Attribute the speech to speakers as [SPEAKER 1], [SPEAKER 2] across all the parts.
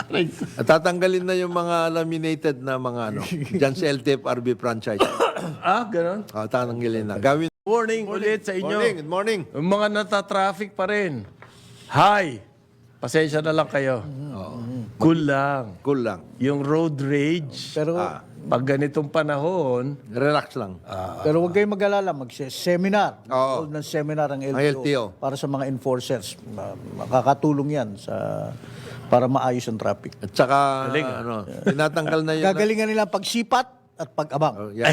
[SPEAKER 1] At tatanggalin na yung mga laminated na mga ano, dyan sa LTFRB franchise.
[SPEAKER 2] Ganon.
[SPEAKER 1] Tatanggalin na. Gawin.
[SPEAKER 2] Morning ulit sa inyo.
[SPEAKER 1] Good morning.
[SPEAKER 2] Yung mga nata-traffic pa rin. Hi! Pasensya na lang kayo. Cool lang.
[SPEAKER 1] Cool lang.
[SPEAKER 2] Yung road rage,
[SPEAKER 3] Pero
[SPEAKER 2] pag ganitong panahon,
[SPEAKER 1] Relax lang.
[SPEAKER 3] pero huwag kayong mag-alala, mag-seminar.
[SPEAKER 1] Oo.
[SPEAKER 3] Hold ng seminar ang LTO,
[SPEAKER 1] LTO.
[SPEAKER 3] para sa mga enforcers. Makakatulong yan para maayos ang traffic.
[SPEAKER 1] At saka, ano, tinatanggal na yun.
[SPEAKER 3] Gagalingan nila ang pagsipat at pag-abang.
[SPEAKER 1] Yan.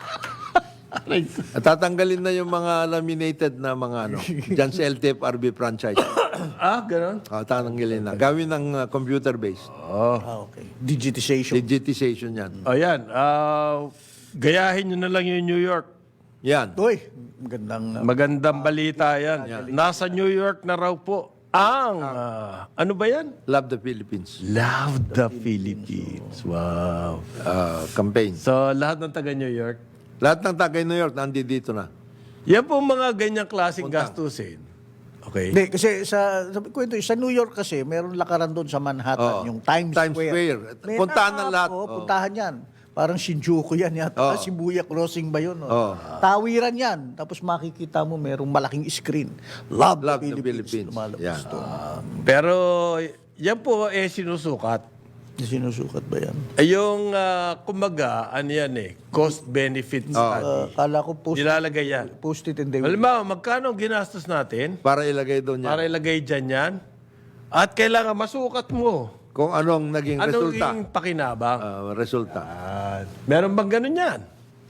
[SPEAKER 1] At tatanggalin na yung mga laminated na mga ano, dyan sa LTFRB franchise.
[SPEAKER 2] ganon.
[SPEAKER 1] Tatanggalin na. Gawin ng computer-based.
[SPEAKER 3] Okay. Digitization.
[SPEAKER 1] Digitization yan.
[SPEAKER 2] Ayan, gayahin nyo na lang yung New York.
[SPEAKER 1] Yan.
[SPEAKER 3] Uy,
[SPEAKER 2] Magandang balita yan. Nasa New York na raw po ang, ano ba yan?
[SPEAKER 1] Love the Philippines.
[SPEAKER 2] Love the Philippines. Wow.
[SPEAKER 1] Campaign.
[SPEAKER 2] So, lahat ng taga New York,
[SPEAKER 1] Lahat ng tagay New York, nandito na.
[SPEAKER 2] yan po mga ganyang klaseng gastusin. Okay.
[SPEAKER 3] Hindi, kasi sabi ko ito, sa New York kasi, meron lakaran doon sa Manhattan, yung Times Square.
[SPEAKER 1] Puntahan ng lahat.
[SPEAKER 3] Puntahan yan. Parang Shinjuku yan yata. Shibuya Crossing ba yun? Tawiran yan. Tapos makikita mo, merong malaking screen. Love the Philippines. Lumalabas
[SPEAKER 1] Yan.
[SPEAKER 3] doon.
[SPEAKER 2] Pero, yan po sinusukat.
[SPEAKER 3] Sinusukat ba yan?
[SPEAKER 2] Yung, kumaga, ano yan cost-benefit study.
[SPEAKER 3] Kala ko
[SPEAKER 2] Nilalagay yan.
[SPEAKER 3] post it and they will.
[SPEAKER 2] Halimbawa, magkano ang ginastos natin
[SPEAKER 1] Para ilagay doon yan.
[SPEAKER 2] para ilagay dyan yan? At kailangan masukat mo.
[SPEAKER 1] Kung anong naging
[SPEAKER 2] Anong
[SPEAKER 1] resulta.
[SPEAKER 2] yung pakinabang?
[SPEAKER 1] Resulta.
[SPEAKER 2] Meron bang ganun yan?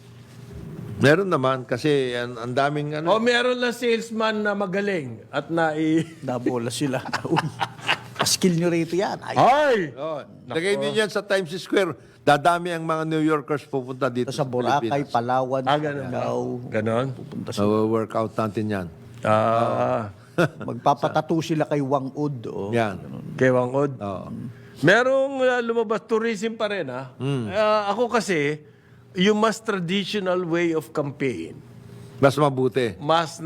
[SPEAKER 1] Meron naman kasi ang daming ano.
[SPEAKER 2] O meron lang salesman na magaling at
[SPEAKER 3] Nabola sila. Uy, skill nyo rito yan. Ay,
[SPEAKER 2] Ay!
[SPEAKER 1] Lagay din yan sa Times Square. Dadami ang mga New Yorkers pupunta dito
[SPEAKER 3] sa Boracay, Palawan,
[SPEAKER 2] ganun.
[SPEAKER 3] Siargao.
[SPEAKER 2] Ganon?
[SPEAKER 1] Workout natin yan.
[SPEAKER 3] Magpapatato sila kay Wang Ud.
[SPEAKER 1] Yan.
[SPEAKER 2] Kay Wangod. Merong lumabas, tourism pa rin ako kasi, yung mas traditional way of campaign,
[SPEAKER 1] Mas mabuti.
[SPEAKER 2] mas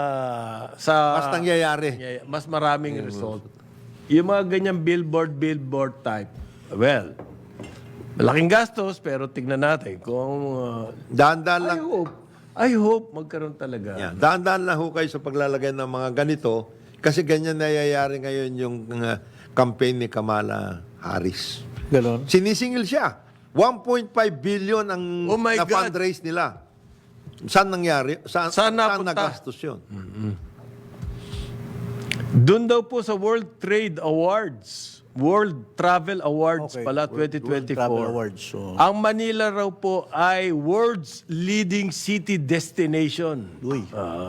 [SPEAKER 1] Mas nangyayari.
[SPEAKER 2] mas maraming result. Yung mga ganyang billboard type, well, malaking gastos, pero tignan natin kung
[SPEAKER 1] Dahan-dahan lang.
[SPEAKER 2] I hope magkaroon talaga.
[SPEAKER 1] Yan. Dahan-dahan lang ho kayo sa paglalagay ng mga ganito kasi ganyan nangyayari ngayon yung campaign ni Kamala Harris.
[SPEAKER 3] Ganon.
[SPEAKER 1] Sinisingil siya. 1.5 billion ang
[SPEAKER 2] Oh my
[SPEAKER 1] na
[SPEAKER 2] God.
[SPEAKER 1] fundraise nila. Saan nangyari? Saan
[SPEAKER 2] napunta?
[SPEAKER 1] nagastos yun?
[SPEAKER 2] Doon daw po sa World Trade Awards, World Travel Awards
[SPEAKER 3] Okay.
[SPEAKER 2] pala,
[SPEAKER 3] World
[SPEAKER 2] 2024.
[SPEAKER 3] Travel Awards. So,
[SPEAKER 2] Ang Manila raw po ay world's leading city destination.
[SPEAKER 3] uy.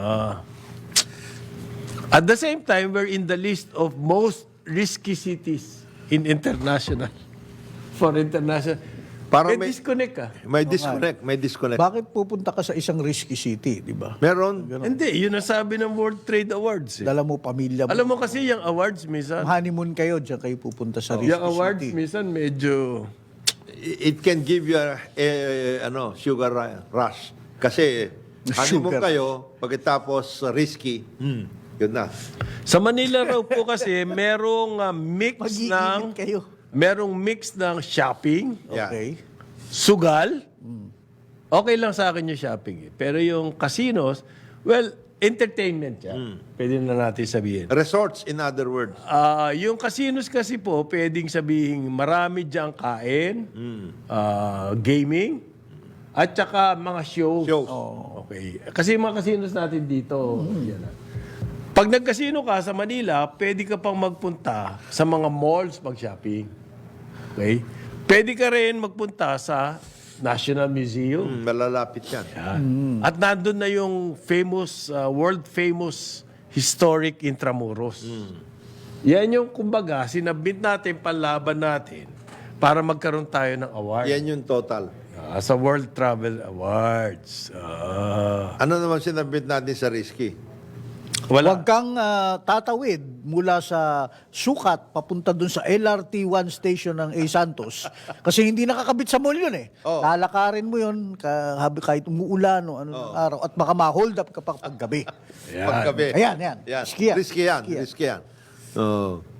[SPEAKER 2] At the same time, we're in the list of most risky cities in international. For international.
[SPEAKER 1] Parang
[SPEAKER 2] May disconnect ka.
[SPEAKER 1] May disconnect. May disconnect.
[SPEAKER 3] Bakit pupunta ka sa isang risky city, di ba?
[SPEAKER 1] Meron.
[SPEAKER 2] Hindi, yun ang sabi ng World Trade Awards.
[SPEAKER 3] Dala mo pamilya mo.
[SPEAKER 2] Alam mo kasi yung awards minsan,
[SPEAKER 3] Honeymoon kayo, diyan kayo pupunta sa risky
[SPEAKER 2] yung awards
[SPEAKER 3] city.
[SPEAKER 2] minsan medyo...
[SPEAKER 1] It can give you a sugar rush. Kasi honeymoon kayo, pagkatapos risky, yun na.
[SPEAKER 2] Sa Manila raw po kasi merong mix
[SPEAKER 3] Mag-iinit kayo.
[SPEAKER 2] merong mix ng shopping,
[SPEAKER 1] Yeah.
[SPEAKER 3] Okay.
[SPEAKER 2] sugal. Okay lang sa akin yung shopping. Pero yung casinos, well, entertainment yan. Pwede na natin sabihin.
[SPEAKER 1] Resorts, in other words.
[SPEAKER 2] Yung casinos kasi po, pwedeng sabihin marami diyang kain, gaming, at saka mga shows.
[SPEAKER 1] Shows.
[SPEAKER 2] Okay. Kasi yung mga casinos natin dito, yan na. Pag nagkasino ka sa Manila, pwede ka pang magpunta sa mga malls mag-shopping. Okay? Pwede ka rin magpunta sa National Museum.
[SPEAKER 1] Malalapit yan.
[SPEAKER 2] At nandun na yung famous, world famous historic Intramuros. Yan yung kumbaga, sinabit natin, panlaban natin para magkaroon tayo ng award.
[SPEAKER 1] Yan yung total.
[SPEAKER 2] Sa World Travel Awards.
[SPEAKER 1] Ano naman sinabit natin sa risky?
[SPEAKER 2] Wala.
[SPEAKER 3] Huwag kang tatawid mula sa Sukat papunta dun sa LRT1 station ng A. Santos kasi hindi nakakabit sa mall yun eh. Lalakarin mo yun kahit umuulan o ano ng araw at baka ma-hold up ka pa paggabi.
[SPEAKER 1] Paggabi.
[SPEAKER 3] Ayan, yan.
[SPEAKER 1] Yan.
[SPEAKER 3] Risky yan.
[SPEAKER 1] Risky yan.
[SPEAKER 3] Risky yan.
[SPEAKER 1] Risky yan.